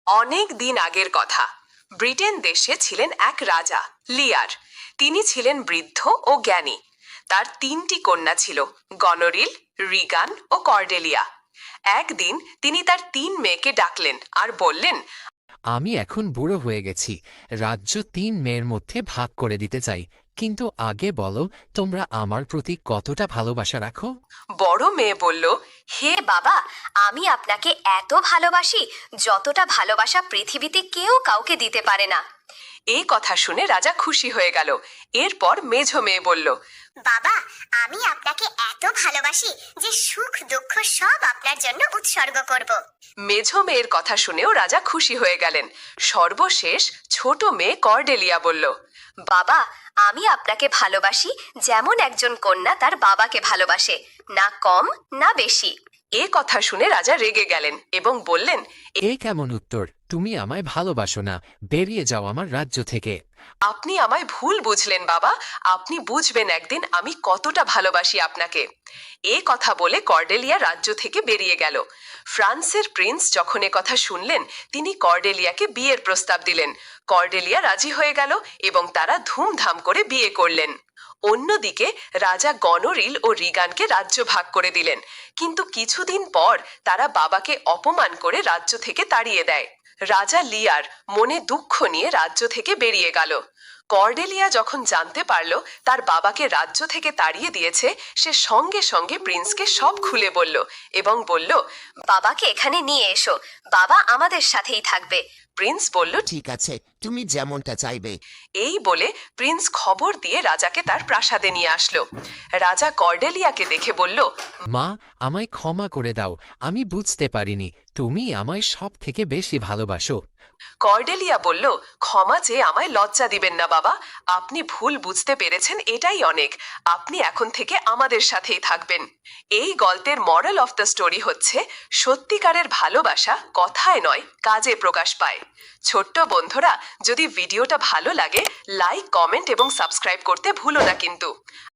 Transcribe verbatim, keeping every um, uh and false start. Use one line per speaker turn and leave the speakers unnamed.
অনেক দিন আগের কথা। ব্রিটেন দেশে ছিলেন এক রাজা, লিয়ার। তিনি ছিলেন বৃদ্ধ ও জ্ঞানী। তার তিনটি কন্যা ছিল, গনোরিল, রিগান ও কর্ডেলিয়া। একদিন তিনি তার তিন মেয়েকে ডাকলেন আর বললেন,
আমি এখন বুড়ো হয়ে গেছি, রাজ্য তিন মেয়ের মধ্যে ভাগ করে দিতে চাই, কিন্তু আগে বলো তোমরা আমার প্রতি কতটা ভালোবাসা রাখো।
বড় মেয়ে বলল,
হে বাবা, আমি আপনাকে এত ভালোবাসি যতটা ভালোবাসা পৃথিবীতে কেউ কাউকে দিতে পারে না।
এই কথা শুনে রাজা খুশি হয়ে গেল। এরপর মেঝো মেয়ে বলল,
বাবা, আমি আপনাকে এত ভালোবাসি যে সুখ দুঃখ সব আপনার জন্য উৎসর্গ করব।
মেঝো মেয়ের কথা শুনেও রাজা খুশি হয়ে গেলেন। সর্বশেষ ছোট মেয়ে কর্ডেলিয়া বলল,
বাবা, আমি আপনাকে ভালোবাসি যেমন একজন কন্যা তার বাবাকে ভালোবাসে, না কম না বেশি।
এ কথা শুনে রাজা রেগে গেলেন এবং বললেন,
এ কেমন উত্তর? তুমি আমায় ভালোবাসো না, বেরিয়ে যাও আমার রাজ্য থেকে।
আপনি আমায় ভুল বুঝলেন বাবা। আপনি বুঝবেন একদিন আমি কতটা ভালোবাসি আপনাকে। এ কথা বলে কর্ডেলিয়া রাজ্য থেকে বেরিয়ে গেল। ফ্রান্সের প্রিন্স যখন এ কথা শুনলেন, তিনি কর্ডেলিয়াকে বিয়ের প্রস্তাব দিলেন। কর্ডেলিয়া রাজি হয়ে গেল এবং তারা ধুমধাম করে বিয়ে করলেন। অন্যদিকে রাজা গনোরিল ও রিগানকে রাজ্য ভাগ করে দিলেন, কিন্তু কিছুদিন পর তারা বাবাকে অপমান করে রাজ্য থেকে তাড়িয়ে দেয়। রাজা লিয়ার মনে দুঃখ নিয়ে রাজ্য থেকে বেরিয়ে গেল। কর্ডেলিয়া যখন জানতে পারল তার বাবাকে রাজ্য থেকে তাড়িয়ে দিয়েছে, সে সঙ্গে সঙ্গে প্রিন্সকে সব খুলে বলল এবং বলল,
বাবাকে এখানে নিয়ে এসো, বাবা আমাদের সাথেই থাকবে।
প্রিন্স বলল,
ঠিক আছে, তুমি যেমনটা চাইবে।
এই বলে প্রিন্স খবর দিয়ে রাজাকে তার প্রাসাদে নিয়ে আসলো। রাজা কর্ডেলিয়াকে দেখে বলল,
মা, আমায় ক্ষমা করে দাও, আমি বুঝতে পারিনি তুমি আমায় সব থেকে বেশি ভালোবাসো।
কর্ডেলিয়া বলল, ক্ষমা চেয়ে আমায় লজ্জা দিবেন না বাবা। আপনি ভুল বুঝতে পেরেছেন, এটাই অনেক। আপনি এখন থেকে আমাদের সাথেই থাকবেন। এই গল্পের মরাল অফ দ্য স্টোরি হচ্ছে, সত্যিকারের ভালোবাসা কথায় নয়, কাজে প্রকাশ পায়। ছোট্ট বন্ধুরা, যদি ভিডিওটা ভালো লাগে, লাইক, কমেন্ট এবং সাবস্ক্রাইব করতে ভুলো না কিন্তু।